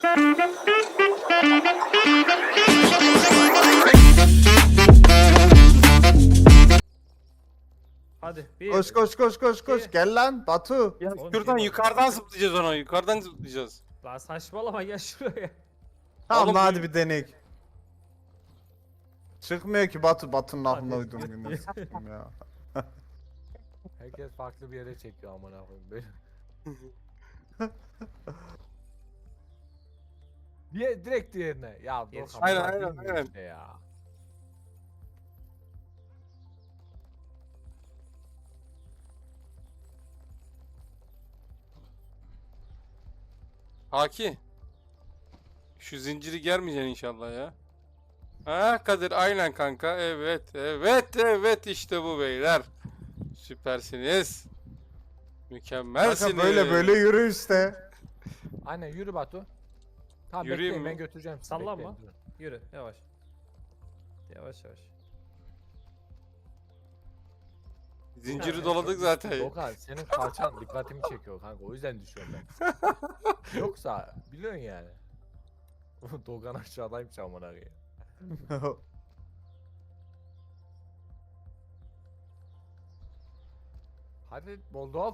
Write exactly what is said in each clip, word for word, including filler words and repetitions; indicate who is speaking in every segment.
Speaker 1: Hadi bir.
Speaker 2: Koş koş koş koş koş.
Speaker 1: İki.
Speaker 2: Gel lan Batu.
Speaker 3: Ya
Speaker 1: Oğlum,
Speaker 3: şuradan
Speaker 1: şey
Speaker 3: yukarıdan zıplayacağız ona. Yukarıdan zıplayacağız.
Speaker 1: Lan saçmalama gel şuraya.
Speaker 2: Tamam
Speaker 3: Oğlum,
Speaker 2: lan,
Speaker 3: bu-
Speaker 2: hadi bir denek. Çıkmıyor ki Batu. Batu'nun aklına
Speaker 1: Hadi.
Speaker 2: uydum yine s**tim ya.
Speaker 4: Herkes farklı bir yere çekiyor amına koyayım böyle. Diye direkt diğerine. Ya
Speaker 1: Yetiş-
Speaker 4: Doğukan,
Speaker 3: Aynen,
Speaker 4: bunlar
Speaker 3: aynen,
Speaker 4: bilmiyor
Speaker 3: aynen.
Speaker 4: işte ya.
Speaker 3: Haki. Şu zinciri germeyeceksin inşallah ya. Ha Kadir, aynen kanka. Evet evet evet, işte bu beyler. Süpersiniz. Mükemmelsiniz.
Speaker 2: Kanka böyle böyle yürü işte.
Speaker 4: Aynen yürü Batu. Tamam
Speaker 3: Yürüyeyim
Speaker 4: bekleyin,
Speaker 3: mi?
Speaker 4: ben götüreceğim sizi.
Speaker 1: Sallanma.
Speaker 4: bekleyin, durun.
Speaker 1: Yürü yavaş. Yavaş yavaş.
Speaker 3: Zinciri doladık zaten.
Speaker 4: Doğukan senin kalçan dikkatimi çekiyor kanka, o yüzden düşüyorum ben. Yoksa biliyorsun yani. Doğukan aşağıdaymış amına koyayım. Hadi Moldov.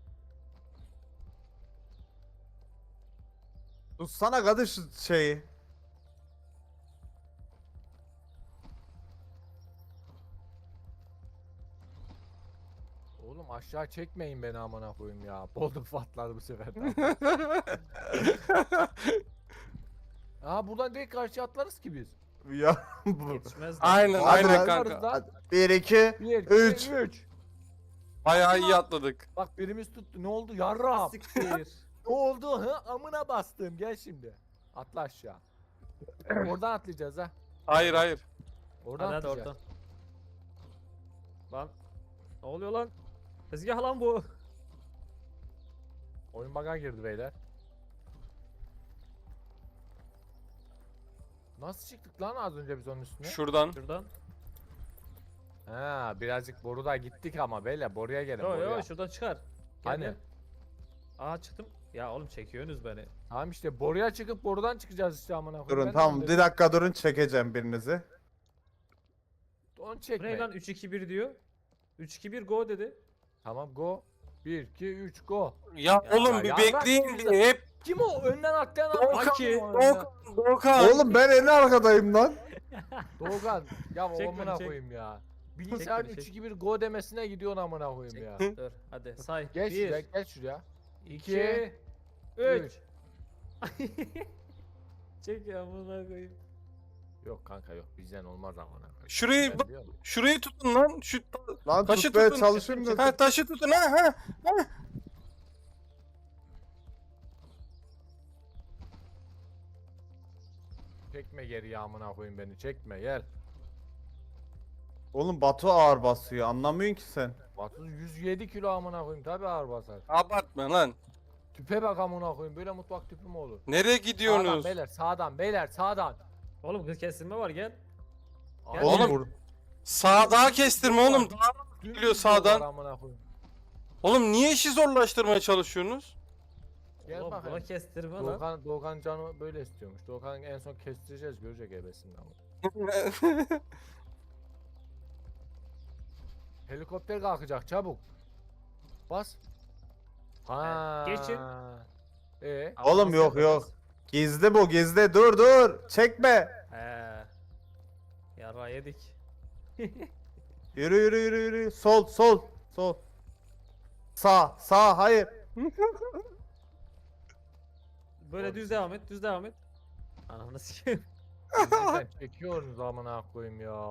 Speaker 2: Tutsana kadın şu şeyi.
Speaker 4: Oğlum aşağı çekmeyin beni amına koyayım ya. Moldov patladı bu sefer de. Aa buradan direkt karşıya atlarız ki biz.
Speaker 2: Ya bu.
Speaker 1: Yetişmez de.
Speaker 3: Aynen
Speaker 2: Hadi
Speaker 3: aynen
Speaker 2: lan.
Speaker 3: kanka.
Speaker 4: Atlarız lan.
Speaker 2: Hadi. Bir iki.
Speaker 4: Bir,
Speaker 2: Üç.
Speaker 4: iki, üç.
Speaker 3: Bayağı iyi atladık.
Speaker 4: Bak birimiz tuttu. Ne oldu yarram?
Speaker 1: Siktir.
Speaker 4: Ne oldu? Hı? Amına bastım. Gel şimdi. Atla aşağı. Oradan atlayacağız ha.
Speaker 3: Hayır hayır.
Speaker 4: Oradan
Speaker 1: Hadi hadi
Speaker 4: atlayacağız.
Speaker 1: oradan. Lan. Ne oluyor lan? Tezgah lan bu.
Speaker 4: Oyun bug'a girdi beyler. Nasıl çıktık lan az önce biz onun üstüne?
Speaker 3: Şuradan.
Speaker 1: Şuradan.
Speaker 4: Ha birazcık boruda gittik ama beyler boruya gelin
Speaker 1: Yo
Speaker 4: boruya.
Speaker 1: yo şuradan çıkar. Gel,
Speaker 4: Hani?
Speaker 1: gel. Aa çıktım. Ya oğlum çekiyorsunuz beni.
Speaker 4: Tamam işte boruya çıkıp borudan çıkacağız işte amına koyayım.
Speaker 2: Durun
Speaker 4: Ben
Speaker 2: tamam,
Speaker 4: onu
Speaker 2: bir
Speaker 4: dedim.
Speaker 2: dakika durun, çekeceğim birinizi.
Speaker 4: Onu
Speaker 1: Bu ne
Speaker 4: çekme.
Speaker 1: lan üç iki bir diyor. üç iki bir go dedi.
Speaker 4: Tamam go. bir iki üç go.
Speaker 3: Ya,
Speaker 1: Ya,
Speaker 3: oğlum bir
Speaker 4: ya
Speaker 3: bekleyin
Speaker 4: bırak
Speaker 3: bir
Speaker 4: bizi.
Speaker 3: hep.
Speaker 4: Kim o? Önden atlayan
Speaker 3: Doğukan,
Speaker 4: adam. Kim o önden?
Speaker 3: Doğukan, Doğukan.
Speaker 2: Oğlum ben en arkadayım lan.
Speaker 4: Doğukan. Ya
Speaker 1: Çek
Speaker 4: amına
Speaker 1: beni, çek.
Speaker 4: koyayım ya. Bilgisayarın
Speaker 1: beni, çek.
Speaker 4: üç iki bir go demesine gidiyorsun amına koyayım ya.
Speaker 1: Dur hadi say.
Speaker 4: Gel şuraya,
Speaker 1: bir,
Speaker 4: gel şuraya.
Speaker 1: iki, üç. Çek ya buna koyayım.
Speaker 4: Yok kanka yok, bizden olmaz amına koyayım.
Speaker 3: Şurayı
Speaker 4: Ben
Speaker 3: bak,
Speaker 4: biliyorum.
Speaker 3: şurayı tutun lan. Şu
Speaker 2: Lan
Speaker 3: taşı
Speaker 2: tutmaya
Speaker 3: tutun.
Speaker 2: çalışıyorum da.
Speaker 3: Ha taşı tutun ha ha.
Speaker 4: Çekme geri amına koyayım beni, çekme gel.
Speaker 2: Oğlum Batu ağır basıyor, anlamıyorsun ki sen.
Speaker 4: Batu yüz yedi kilo amına koyayım, tabi ağır basar.
Speaker 3: Abartma lan.
Speaker 4: Tüpe bak amına koyayım, böyle mutfak tüpü mü olur?
Speaker 3: Nereye
Speaker 4: Sağdan
Speaker 3: gidiyorsunuz?
Speaker 4: beyler, sağdan beyler, sağdan.
Speaker 1: Oğlum kız kesilme var gel.
Speaker 4: Abi,
Speaker 2: Oğlum
Speaker 3: Oğlum,
Speaker 2: vur.
Speaker 3: Sağ daha kestirme oğlum. Daha
Speaker 4: dümdüz
Speaker 3: geliyor sağdan.
Speaker 4: yollar amına koyayım.
Speaker 3: Oğlum niye işi zorlaştırmaya çalışıyorsunuz?
Speaker 4: Gel
Speaker 1: Oğlum buna
Speaker 4: bakayım.
Speaker 1: kestirme lan.
Speaker 4: Doğukan, Doğukan canı böyle istiyormuş. Doğukan en son kestireceğiz, görecek ebesini ama. Helikopter kalkacak çabuk. Bas. Ha.
Speaker 1: geçin.
Speaker 4: Ee,
Speaker 2: Oğlum
Speaker 1: Nasıl
Speaker 2: yok,
Speaker 1: yapacağız?
Speaker 2: yok. Gizli bu, gizli. Dur dur. Çekme.
Speaker 1: He. Yara yedik.
Speaker 2: Yürü yürü yürü yürü. Sol sol sol. Sağ sağ, hayır.
Speaker 1: Böyle
Speaker 4: Oğlum
Speaker 1: düz
Speaker 4: siz-
Speaker 1: devam et, düz devam et. Ananı sikeyim.
Speaker 4: bizden çekiyoruz amına koyayım ya.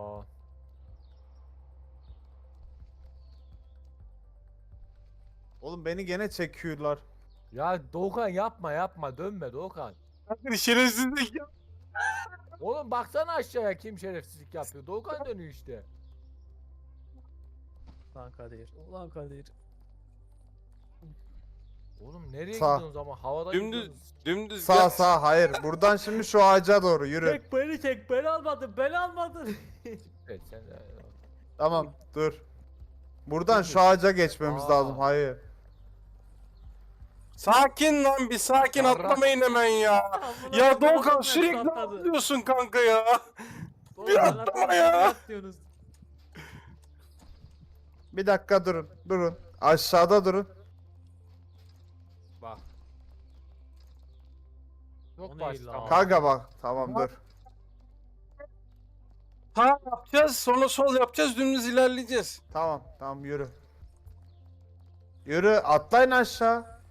Speaker 2: Oğlum beni gene çekiyorlar.
Speaker 4: Ya Doğukan yapma yapma, dönme Doğukan.
Speaker 3: Şerefsizlik ya.
Speaker 4: Oğlum baksana aşağıya, kim şerefsizlik yapıyor. Doğukan dönüyor işte.
Speaker 1: Lan Kadir. Ulan Kadir.
Speaker 4: Oğlum nereye
Speaker 2: Sağ.
Speaker 4: gidiyorsunuz ama havada
Speaker 3: Dümdüz,
Speaker 4: gidiyorsunuz.
Speaker 3: dümdüz.
Speaker 2: Sağ
Speaker 3: gel.
Speaker 2: sağ, hayır. Buradan şimdi şu ağaca doğru yürü.
Speaker 1: Çek beni çek, beni almadın, beni almadın.
Speaker 4: Evet sen de.
Speaker 2: Tamam dur. Buradan şu ağaca geçmemiz
Speaker 4: Aa.
Speaker 2: lazım, hayır.
Speaker 3: Sakin lan bir sakin
Speaker 4: Yarrak.
Speaker 3: atlamayın hemen ya.
Speaker 1: Amına
Speaker 3: Ya
Speaker 1: koyayım,
Speaker 3: Doğukan
Speaker 1: adam
Speaker 3: sürekli
Speaker 1: atladı.
Speaker 3: atlıyorsun kanka ya.
Speaker 1: Oğlum,
Speaker 3: bir
Speaker 1: ben
Speaker 3: atlama
Speaker 1: atladım,
Speaker 3: ya.
Speaker 1: siz atlıyorsunuz.
Speaker 2: Bir dakika durun. Durun. Aşağıda durun.
Speaker 1: Bak. O
Speaker 4: Çok
Speaker 1: ne
Speaker 4: basit
Speaker 1: lan?
Speaker 4: ama.
Speaker 2: Kanka bak. Tamam dur.
Speaker 3: Sağ yapacağız sonra sol yapacağız dümdüz ilerleyeceğiz.
Speaker 2: Tamam. Tamam yürü. Yürü. Atlayın aşağı.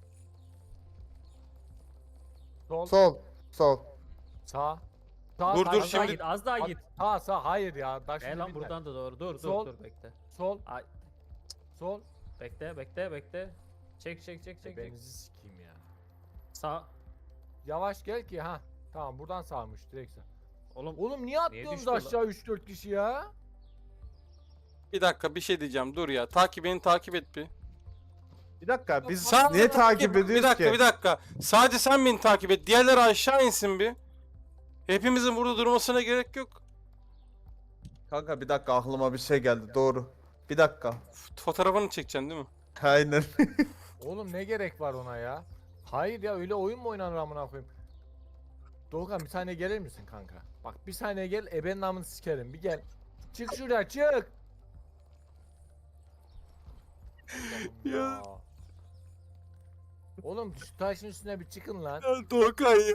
Speaker 4: Sol,
Speaker 2: Sol. Sol.
Speaker 4: sağ. Sağ,
Speaker 3: Dur,
Speaker 4: sağ,
Speaker 3: dur,
Speaker 1: Az
Speaker 4: sağ.
Speaker 1: daha
Speaker 3: şimdi-
Speaker 1: git, az daha
Speaker 4: Bak,
Speaker 1: git.
Speaker 4: Sağ sağ hayır ya. Bak
Speaker 1: E
Speaker 4: şimdi
Speaker 1: lan
Speaker 4: bir
Speaker 1: buradan da doğru. Dur, dur,
Speaker 4: Sol.
Speaker 1: dur, bekle.
Speaker 4: Sol,
Speaker 1: Ay,
Speaker 4: sol.
Speaker 1: bekle, bekle, bekle. Çek, çek, çek, çek, çek.
Speaker 4: Benizi sikeyim ya.
Speaker 1: Sağ.
Speaker 4: Yavaş gel ki ha. Tamam buradan sağmış direkt sağ.
Speaker 1: Oğlum,
Speaker 4: Oğlum niye atlıyorsunuz
Speaker 1: düştü lan?
Speaker 4: aşağı üç dört kişi ya?
Speaker 3: Bir dakika bir şey diyeceğim dur ya. Takip beni takip et bir.
Speaker 2: Bir dakika. Biz
Speaker 3: Sağ
Speaker 2: niye takip ediyoruz
Speaker 3: Bir dakika
Speaker 2: ki?
Speaker 3: bir dakika. Sadece sen beni takip et. Diğerleri aşağı insin bir. Hepimizin burada durmasına gerek yok.
Speaker 2: Kanka bir dakika aklıma bir şey geldi. Doğru. Bir dakika.
Speaker 3: F- Fotoğrafını çekeceksin değil mi?
Speaker 2: Aynen.
Speaker 4: Oğlum ne gerek var ona ya? Hayır ya öyle oyun mu oynanır amına koyayım? Doğukan bir saniye gelir misin kanka? Bak bir saniye gel ebenin namını sikerim bir gel. Çık şuraya çık. Allah'ım
Speaker 3: Ya.
Speaker 4: Oğlum şu taşın üstüne bir çıkın lan.
Speaker 3: Ya Doğukan ya.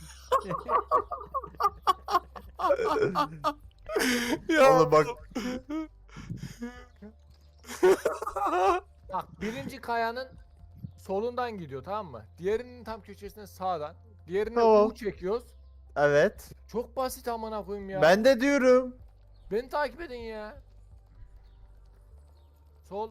Speaker 3: ya.
Speaker 2: Oğlum bak.
Speaker 4: Bak birinci kayanın solundan gidiyor tamam mı? Diğerinin tam köşesine sağdan. Diğerine
Speaker 2: Tamam.
Speaker 4: U çekiyoruz.
Speaker 2: Evet.
Speaker 4: Çok basit amına koyayım ya.
Speaker 2: Ben de diyorum.
Speaker 4: Beni takip edin ya. Sol,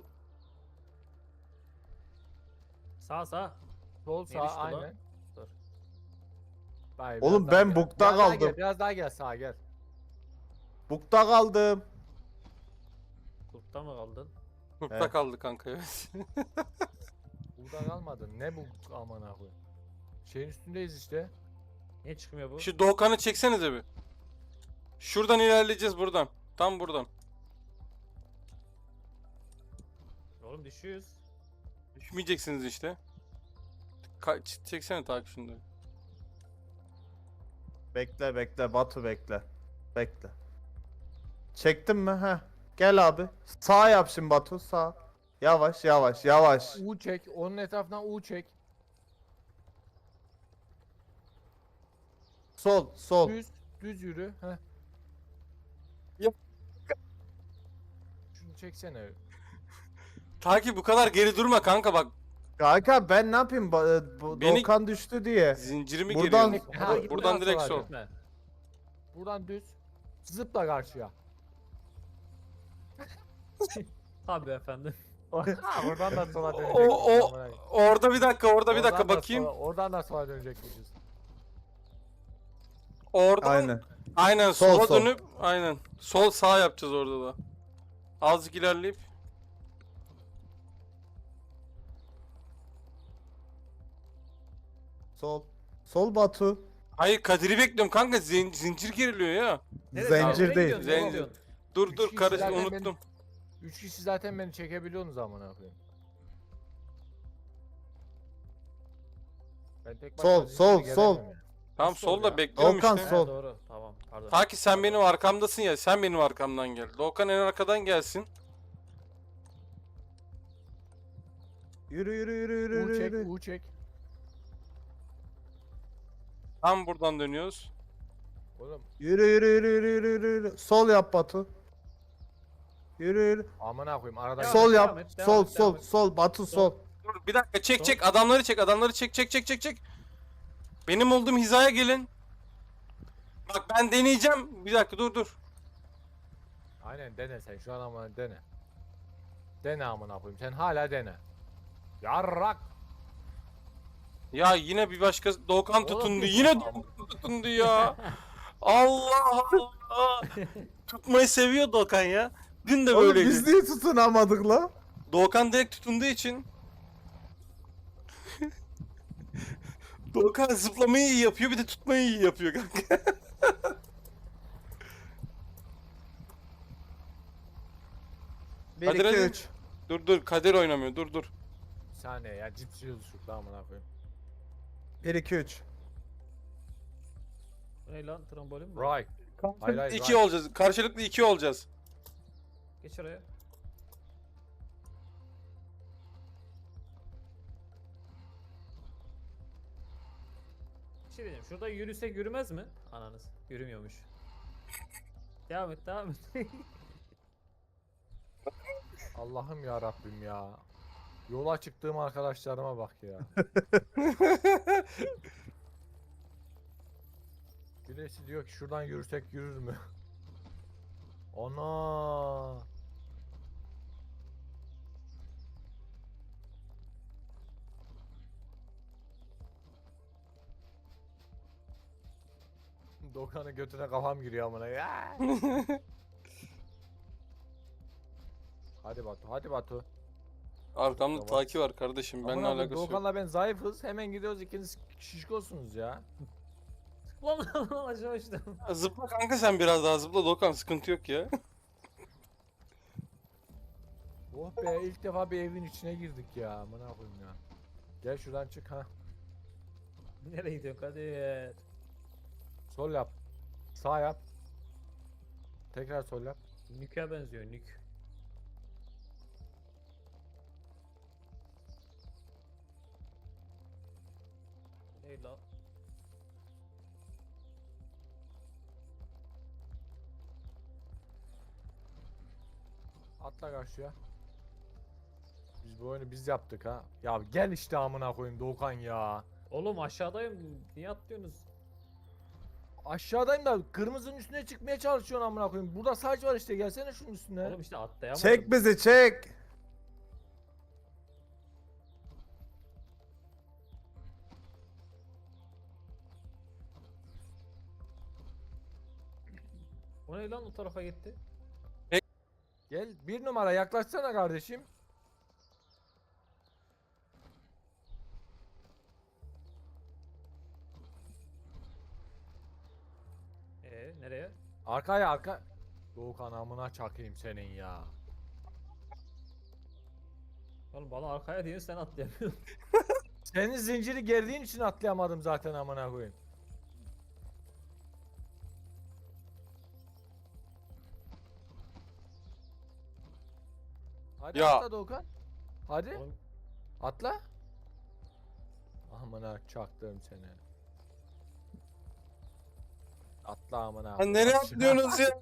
Speaker 1: sağ, sağ.
Speaker 4: sol
Speaker 1: Niye düştü
Speaker 4: sağ
Speaker 1: lan?
Speaker 4: aynen.
Speaker 1: Dur.
Speaker 4: Vay,
Speaker 2: Oğlum
Speaker 4: biraz daha
Speaker 2: ben
Speaker 4: gel.
Speaker 2: bukta
Speaker 4: Biraz daha
Speaker 2: kaldım.
Speaker 4: Gel, biraz daha gel sağa gel.
Speaker 2: Bukta kaldım.
Speaker 1: Kurtta mı kaldın?
Speaker 3: Kurtta
Speaker 2: Evet.
Speaker 3: kaldı kanka evet.
Speaker 4: Buradan almadın. Ne bu amına koyayım? Şeyin üstündeyiz işte.
Speaker 1: Niye çıkmıyor bu?
Speaker 3: Şu Doğukan'ı çeksenize bir. Şuradan ilerleyeceğiz buradan. Tam buradan.
Speaker 1: Oğlum düşüyoruz.
Speaker 3: Düşmeyeceksiniz işte. Ka ç- çeksene takip şunları.
Speaker 2: Bekle bekle Batu bekle. Bekle. Çektin mi? Heh. Gel abi. Sağ yap şimdi Batu sağ. Yavaş yavaş yavaş.
Speaker 4: U çek. Onun etrafından U çek.
Speaker 2: Sol sol.
Speaker 4: Düz, düz yürü. Heh.
Speaker 3: Ya-
Speaker 4: Şunu çeksene.
Speaker 3: Takip bu kadar geri durma kanka bak.
Speaker 2: Kanka ben ne yapayım? Ba- bu
Speaker 3: Beni-
Speaker 2: Doğukan düştü diye.
Speaker 3: Zincirimi
Speaker 2: Buradan-
Speaker 3: geriyorsun.
Speaker 4: Ha,
Speaker 1: Buradan,
Speaker 3: buradan direkt
Speaker 4: sola
Speaker 3: sol.
Speaker 1: Gitme.
Speaker 4: Buradan düz. Zıpla karşıya.
Speaker 1: Tabii efendim.
Speaker 4: Ha, oradan da sola
Speaker 3: O,
Speaker 4: dönecekmişiz.
Speaker 3: o
Speaker 4: amına koyayım.
Speaker 3: orada bir dakika orada bir
Speaker 4: Oradan
Speaker 3: dakika
Speaker 4: da
Speaker 3: bakayım.
Speaker 4: sola- oradan da sola dönecekmişiz.
Speaker 3: Oradan
Speaker 2: Aynen.
Speaker 3: aynen
Speaker 2: Sol,
Speaker 3: sola
Speaker 2: sol.
Speaker 3: dönüp aynen sol sağ yapacağız orada da. Azıcık ilerleyip
Speaker 2: Sol. Sol Batu.
Speaker 3: hayır Kadir'i bekliyorum kanka zin- zincir geriliyor ya.
Speaker 2: Zincir
Speaker 1: Nereye
Speaker 2: değil.
Speaker 1: gidiyorsun? Nereye
Speaker 3: Zincir.
Speaker 1: gidiyorsun?
Speaker 3: Dur
Speaker 4: Üç
Speaker 3: dur
Speaker 4: kişi
Speaker 3: karış
Speaker 4: zaten
Speaker 3: unuttum.
Speaker 4: benim- Üç kişi zaten beni çekebiliyorsunuz amına koyayım. Ben tek
Speaker 2: Sol,
Speaker 4: başıma
Speaker 2: sol,
Speaker 4: zincire
Speaker 2: sol.
Speaker 4: gelemem ya.
Speaker 3: Tamam
Speaker 4: Nasıl oluyor
Speaker 3: solda
Speaker 4: ya?
Speaker 3: bekliyorum
Speaker 2: Volkan,
Speaker 3: işte.
Speaker 2: sol.
Speaker 1: He, doğru. Tamam. Pardon.
Speaker 3: Ta ki sen benim arkamdasın ya sen benim arkamdan gel. Doğukan en arkadan gelsin.
Speaker 2: Yürü yürü yürü yürü
Speaker 4: U
Speaker 2: yürü.
Speaker 4: çek,
Speaker 2: yürü.
Speaker 4: U çek.
Speaker 3: Tam buradan dönüyoruz.
Speaker 4: Oğlum
Speaker 2: Yürü yürü yürü yürü yürü yürü, yürü. Sol yap Batu. Yürü yürü.
Speaker 4: amına koyayım arada
Speaker 1: Devam
Speaker 2: Sol
Speaker 1: et,
Speaker 2: yap.
Speaker 1: devam et, devam
Speaker 2: Sol
Speaker 1: et,
Speaker 2: sol
Speaker 1: devam et.
Speaker 2: sol Batu sol.
Speaker 3: Dur bir dakika çek
Speaker 1: Sol.
Speaker 3: çek adamları çek adamları çek çek çek çek çek. Benim olduğum hizaya gelin. Bak ben deneyeceğim. Bir dakika dur dur.
Speaker 4: Aynen dene sen şu an ama dene. Dene amına koyayım sen hala dene. Yarrak.
Speaker 3: Ya yine bir başka Doğukan
Speaker 4: Oğlum,
Speaker 3: tutundu.
Speaker 4: bir-
Speaker 3: Yine Doğukan tutundu ya. Allah Allah. Tutmayı seviyor Doğukan ya. Dün de
Speaker 2: Oğlum
Speaker 3: böyleydi.
Speaker 2: biz niye tutunamadık la?
Speaker 3: Doğukan direkt tutunduğu için. Doğukan zıplamayı iyi yapıyor bir de tutmayı iyi yapıyor kanka.
Speaker 2: bir
Speaker 3: Hadi
Speaker 2: iki
Speaker 3: hadi.
Speaker 2: üç.
Speaker 3: Dur dur Kadir oynamıyor dur dur.
Speaker 4: Bir saniye ya cips yiyoruz şu amına koyayım.
Speaker 2: bir iki üç.
Speaker 1: Ne lan trambolin mi?
Speaker 4: Right. Hayır, hayır,
Speaker 3: iki
Speaker 4: right.
Speaker 3: olacağız. Karşılıklı iki olacağız.
Speaker 1: Geç oraya. Bir şey diyeceğim. Şurada yürüsek yürümez mi? Ananız. Yürümüyormuş. Devam et, devam et.
Speaker 4: Allah'ım ya Rabbim ya. Yola çıktığım arkadaşlarıma bak ya. Birisi diyor ki şuradan yürüsek yürür mü? Ana. Dokan'ın götüne kafam giriyor amına ya. Hadi Batu, hadi Batu.
Speaker 3: Arkamda
Speaker 4: Tamam.
Speaker 3: Taki var kardeşim. Benimle
Speaker 4: Amına koyayım,
Speaker 3: alakası yok.
Speaker 4: Doğukan'la ben zayıfız. Hemen gidiyoruz ikiniz şişkosunuz ya.
Speaker 1: Lan lan lan aşağı uçtum.
Speaker 3: Zıpla kanka sen biraz daha zıpla Dokan, sıkıntı yok ya.
Speaker 4: Oh be, ilk defa bir evin içine girdik ya. Amına koyayım ya. Gel şuradan çık ha.
Speaker 1: Nereye gidiyorsun Kadir?
Speaker 4: Sol yap. Sağ yap. Tekrar sol yap.
Speaker 1: Nük'e benziyor nük. Ney lan?
Speaker 4: Atla karşıya. Biz bu oyunu biz yaptık ha. Ya gel işte amına koyayım Doğukan ya.
Speaker 1: Oğlum aşağıdayım. Niye atlıyorsunuz?
Speaker 4: Aşağıdayım da kırmızının üstüne çıkmaya çalışıyorsun amına koyayım. Burada saç var işte, gelsene şunun üstüne.
Speaker 1: Oğlum işte atlayamadım.
Speaker 2: Çek bizi çek.
Speaker 1: O ne lan o tarafa gitti?
Speaker 4: Gel bir numara yaklaşsana kardeşim.
Speaker 1: Ee nereye?
Speaker 4: Arkaya arka. Doğukan amına çakayım senin ya.
Speaker 1: Oğlum bana arkaya diyorsun sen atlayamıyorsun.
Speaker 4: Senin zinciri gerdiğin için atlayamadım zaten amına koyayım. Hadi
Speaker 3: Ya.
Speaker 4: atla Doğukan. Hadi
Speaker 1: Oğlum,
Speaker 4: atla. Amına çaktım seni. Atla amına.
Speaker 3: Lan nereye atlıyorsunuz ya?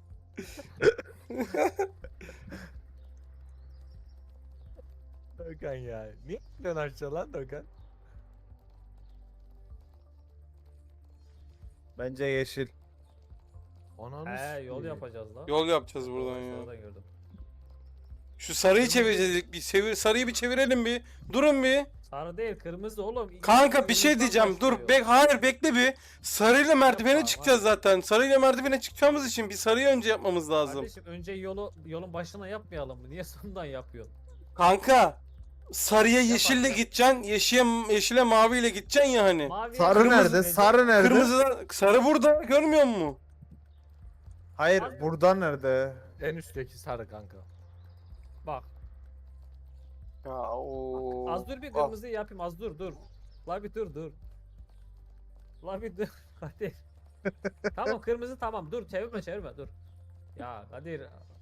Speaker 4: Doğukan ya. Niye atlıyorsun aşağı lan Doğukan?
Speaker 2: Bence yeşil.
Speaker 4: Ananı
Speaker 1: He yol
Speaker 4: sikeyim.
Speaker 1: yapacağız lan.
Speaker 3: Yol yapacağız buradan ya.
Speaker 1: Sonradan gördüm.
Speaker 3: Şu sarıyı çevireceğiz. Bir çevir, sarıyı bir çevirelim bir. Durun bir.
Speaker 1: Sarı değil kırmızı oğlum.
Speaker 3: Kanka bir şey
Speaker 1: Kırmızıdan
Speaker 3: diyeceğim. Dur.
Speaker 1: başlıyor.
Speaker 3: Bek hayır bekle bir. Sarıyla merdivene
Speaker 1: Tamam,
Speaker 3: çıkacağız zaten. Sarıyla merdivene çıkacağımız için bir sarıyı önce yapmamız lazım.
Speaker 1: Kardeşim önce yolu yolun başına yapmayalım mı? Niye sonundan yapıyorsun?
Speaker 3: Kanka sarıya yeşille
Speaker 1: abi.
Speaker 3: gideceksin. Yeşile yeşile maviyle gideceksin ya hani.
Speaker 1: Mavi
Speaker 2: Sarı
Speaker 3: Kırmızı
Speaker 2: nerede?
Speaker 1: neydi?
Speaker 2: Sarı nerede?
Speaker 3: Kırmızıdan sarı burada görmüyor musun?
Speaker 2: Hayır,
Speaker 1: Sarı-
Speaker 2: burada nerede?
Speaker 4: En üstteki sarı kanka.
Speaker 1: Bak
Speaker 3: Ya o.
Speaker 1: az dur bir kırmızıyı yapayım az dur dur. La bir dur dur. La bir dur. Kadir. Tamam kırmızı tamam dur çevirme çevirme dur. Ya Kadir.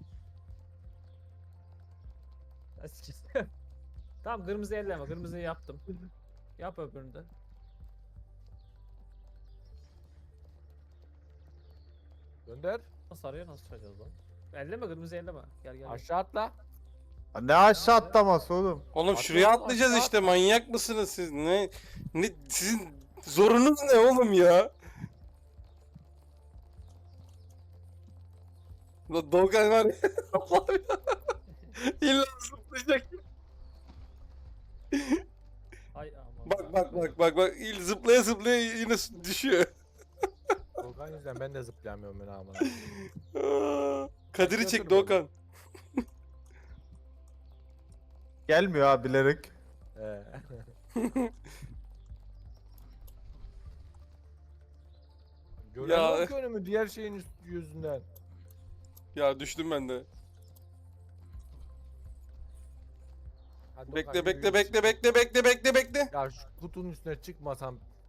Speaker 1: Ya sikeyim. Tamam kırmızı elleme kırmızıyı yaptım. Yap öbürünü de.
Speaker 4: Gönder.
Speaker 1: Sarıya nasıl çıkacağız lan? Elleme kırmızı elleme. Gel gel. gel.
Speaker 4: Aşağı atla.
Speaker 2: Ne aşağı atlaması oğlum?
Speaker 3: Oğlum
Speaker 4: Atla
Speaker 3: şuraya
Speaker 4: oğlum,
Speaker 3: atlayacağız
Speaker 4: aşağı
Speaker 3: işte. Manyak mısınız siz? Ne ne sizin zorunuz ne oğlum ya? Lan Doğukan var ya. Allah'ım ya. İlla zıplayacak.
Speaker 1: Ay aman.
Speaker 3: Bak bak bak bak bak. İl zıplaya zıplaya yine düşüyor.
Speaker 4: Doğukan yüzünden ben de zıplayamıyorum ben amına.
Speaker 3: Aa, Kadir'i
Speaker 4: Götür
Speaker 3: çek
Speaker 4: beni.
Speaker 3: Doğukan.
Speaker 2: Gelmiyor abi bilerek.
Speaker 4: Ee. Göremiyorum ki önümü diğer şeyin üst yüzünden.
Speaker 3: Ya düştüm ben de.
Speaker 4: Hadi
Speaker 3: Bekle
Speaker 4: Doğukan,
Speaker 3: bekle
Speaker 4: yürü,
Speaker 3: bekle
Speaker 4: yürü.
Speaker 3: bekle bekle bekle bekle.
Speaker 4: Ya şu kutunun üstüne çıkmasam